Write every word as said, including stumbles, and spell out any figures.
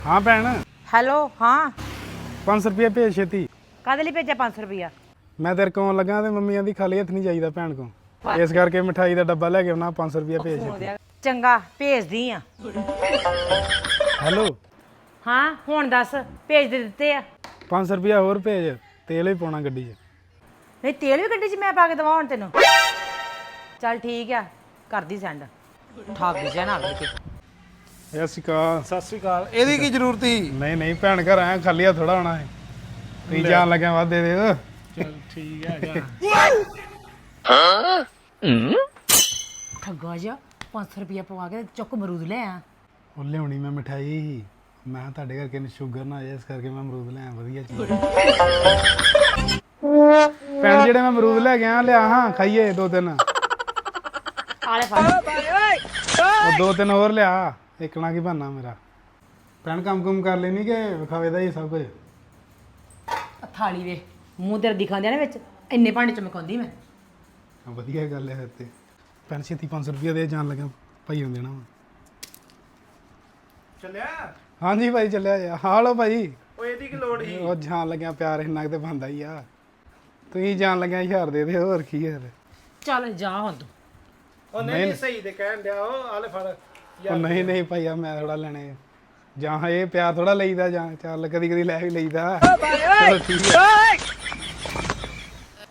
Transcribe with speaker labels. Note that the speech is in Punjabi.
Speaker 1: हाँ भैन
Speaker 2: हेलो हाँ
Speaker 1: पाँच सौ रुपया भेज छेती
Speaker 2: काहदे ਲਈ ਭੇਜਿਆ ਪੰਜ ਸੌ ਰੁਪਿਆ
Speaker 1: मैं तेरे को लगा तो मम्मी आंदी खाली हथ नहीं चाहिए भैन को इस करके मिठाई का डब्बा लैके आना पाँच सौ रुपया भेज छेती
Speaker 2: ਚੰਗਾ ਭੇਜਦੀ ਆ
Speaker 1: हेलो
Speaker 2: ਹਾਂ ਹੁਣ ਦੱਸ ਭੇਜ ਦੇ ਦਿੱਤੇ ਆ
Speaker 1: पाँच सौ रुपया होर भेज तेल भी पाना गड्डी च
Speaker 2: ਨਹੀਂ ਤੇਲ ਵੀ ਗੱਡੀ 'ਚ ਮੈਂ ਪਾ ਕੇ ਦਵਾਂ ਹੁਣ ਤੈਨੂੰ ਚੱਲ ਠੀਕ ਆ ਕਰਦੀ ਸੈਂਡ ਠਾਕ ਦੀ ਨਾ ਆਵੇ ਤੇ
Speaker 1: ਸਤਿ ਸ਼੍ਰੀ ਅਕਾਲ
Speaker 3: ਸਤਿ ਸ਼੍ਰੀ ਅਕਾਲ ਇਹਦੀ ਕੀ ਜ਼ਰੂਰਤ ਸੀ
Speaker 1: ਨਹੀਂ ਨਹੀਂ ਭੈਣ ਘਰ ਆਇਆ ਖਾਲੀ ਹੱਥ ਥੋੜਾ ਹੋਣਾ ਹੈ ਤੁਸੀਂ ਜਾਣ ਲੱਗਿਆ ਵੱਧ ਦੇ ਦੇ
Speaker 3: ਚਲ ਠੀਕ ਹੈਗਾ
Speaker 2: ਠੱਗਾ ਜਾ ਪੰਜ ਸੌ ਰੁਪਿਆ ਪਵਾ ਕੇ ਚੁੱਕ ਮਰੂਦ ਲੈ ਆ
Speaker 1: ਉਹ ਲਿਆਉਣੀ ਮੈਂ ਮਠਾਈ ਸੀ ਮੈਂ ਕਿਹਾ ਤੁਹਾਡੇ ਕਰਕੇ ਸ਼ੂਗਰ ਨਾ ਆ ਜਾਏ ਇਸ ਕਰਕੇ ਮੈਂ ਅਮਰੂਦ ਲੈ ਆਇਆ ਵਧੀਆ ਚੀਜ਼ ਭੈਣ ਜਿਹੜੇ ਮੈਂ ਅਮਰੂਦ ਲੈ ਗਿਆ ਲਿਆ ਹਾਂ ਖਾਈਏ ਦੋ ਤਿੰਨ
Speaker 2: ਆਲੇ ਫੜ
Speaker 1: ਉਹ ਦੋ ਤਿੰਨ ਹੋਰ ਲਿਆ ਇੱਕਣਾ ਕੀ ਬਹਾਨਾ ਮੇਰਾ ਭੈਣ ਕੰਮ ਕੁਮ ਕਰ ਲੈਣੀ ਕਿ ਵਿਖਾਵੇ ਦਾ ਹੀ ਸਭ ਕੁਝ
Speaker 2: ਥਾਲੀ ਵੇ ਮੂੰਹ ਤੇਰਾ ਦਿਖਾਉਂਦੇ ਨੇ ਵਿੱਚ ਇੰਨੇ ਭਾਂਡੇ ਚ ਮਕਾਉਂਦੀ ਮੈਂ
Speaker 1: ਵਧੀਆ ਗੱਲ ਹੈ ਫਿਰ ਤੇ ਭੈਣ ਛੇਤੀ ਪੰਜ ਸੌ ਰੁਪਇਆ ਦੇ ਜਾਣ ਲੱਗਾ ਭਾਈ ਹੁੰਦੇ ਨਾ
Speaker 3: ਚੱਲਿਆ
Speaker 1: ਹਾਂਜੀ ਭਾਈ ਚੱਲਿਆ ਜਾ ਹਾਂ ਲੋ ਭਾਈ
Speaker 3: ਓਏ ਇਹਦੀ ਕੀ ਲੋੜ ਸੀ
Speaker 1: ਉਹ ਜਾਣ ਲੱਗਿਆ ਪਿਆਰ ਇੰਨਾ ਕੁ ਤੇ ਬੰਦਾ ਹੀ ਆ ਤੁਸੀਂ ਜਾਣ ਲੱਗਿਆ ਹਜ਼ਾਰ ਦੇ ਦੇ ਹੋਰ ਕੀ ਹੈ
Speaker 2: ਚੱਲ ਜਾ ਹੁਣ ਤੂੰ
Speaker 3: ਉਹ ਨਹੀਂ ਨਹੀਂ ਸਹੀ ਤੇ ਕਹਿਣ ਡਿਆ ਉਹ ਆਲੇ ਫੜ
Speaker 1: ਉਹ ਨਹੀਂ ਨਹੀਂ ਭਾਈ ਆ ਮੈਂ ਥੋੜਾ ਲੈਣੇ ਜਾਂ ਇਹ ਪਿਆਰ ਥੋੜਾ ਲਈਦਾ ਜਾਂ ਚੱਲ ਕਦੀ ਕਦੀ ਲੈ ਵੀ ਲਈਦਾ ਚਲੋ ਠੀਕ ਹੈ